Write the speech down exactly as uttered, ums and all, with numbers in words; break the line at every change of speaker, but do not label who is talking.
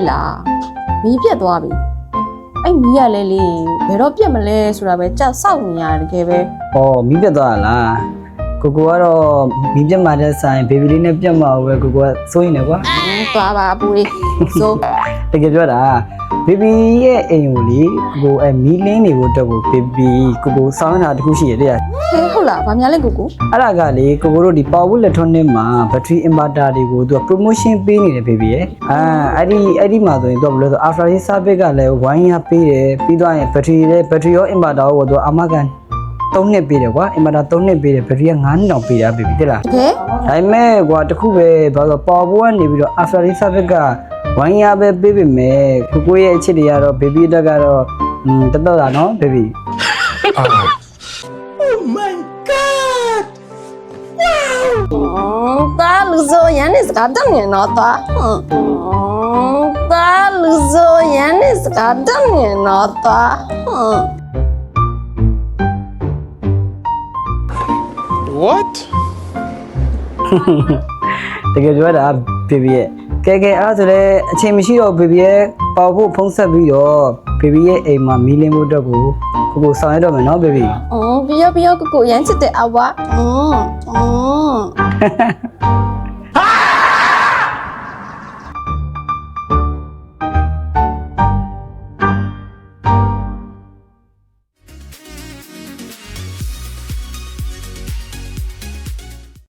လားမီးပြတ်သွားပြီအဲ့မီးရလဲလေဘယ်တော့ပြတ်မလဲဆိုတာပဲကြောက်စောက်နေရတယ်တကယ်ပဲ
။အော်မီးပြတ်သွားလား။ကိုကိုကတော့မီးပြတ်မှတဲ့ဆိုင်ဘေဘီလေးနဲ့ပြတ်မှာပဲကိုကိုကစိုးရင်လည်းကွာ
သွားပါပူလေးဆို
။တကယ်ပြောတာဘေဘီရဲ့အိမ်ကိုလေကိုကိုအဲမီးလင်းနေဖို့အတွက်ကိုဘေဘီကိုကိုစောင်းတာတခုရှိရတဲ့
ဟဲဟုတ်လားဗာများလဲကိုကို
။အဲ့ဒါကလေကိုကိုတို့ဒီ Power Electronic မှာ battery inverter တွေကိုသူက promotion ပေးနေတယ်ဘေဘီရဲ့။အာအဲ့ဒီအဲ့ဒီမှာဆိုရင်သူကဘယ်လိုဆို after sales service ကလည်းဝိုင်းရပေးတယ်ပြီးတော့ရင် battery ရဲ့ battery ရော inverter ရောသူကအမကန်သုံးနှစ်ပေးတယ်ကွာ inverter သုံးနှစ်ပေးတယ် battery ကငါးနှစ်တောင်ပေးတာဘေဘီတိလား
တကယ်
ဒါပေမဲ့ကွာတခုပဲဘာလို့ပေါ်ပေါ်ကနေပြီးတော့ after this service ကဝိုင်းရပဲပေးပေမဲ့ကိုကိုရဲ့အချစ်တွေကတော့ baby တက်ကတော့อืมတက်တော့တာနော် baby
Oh my god! Wow!
တာလူဆိုရန်နေစကားတတ်နေတော့တာတာလူဆိုရန်နေစကားတတ်နေတော့တာ
What?
တကယ်ပြောတာ baby ရဲ့ကဲကဲအားဆိုလဲအချိန်မရှိတော့ baby ရဲ့ပေါ်ဖို့ဖုံးဆက်ပြီးတော့ baby ရဲ့အိမ်မှာမီးလင်းဖို့အတွက်ကိုကိုကိုဆောင်ရတော့မယ်နော် baby
အော်ပြီးရောပြီးရောကိုကိုရန်ချစ်တဲ့အဝါอืมอืม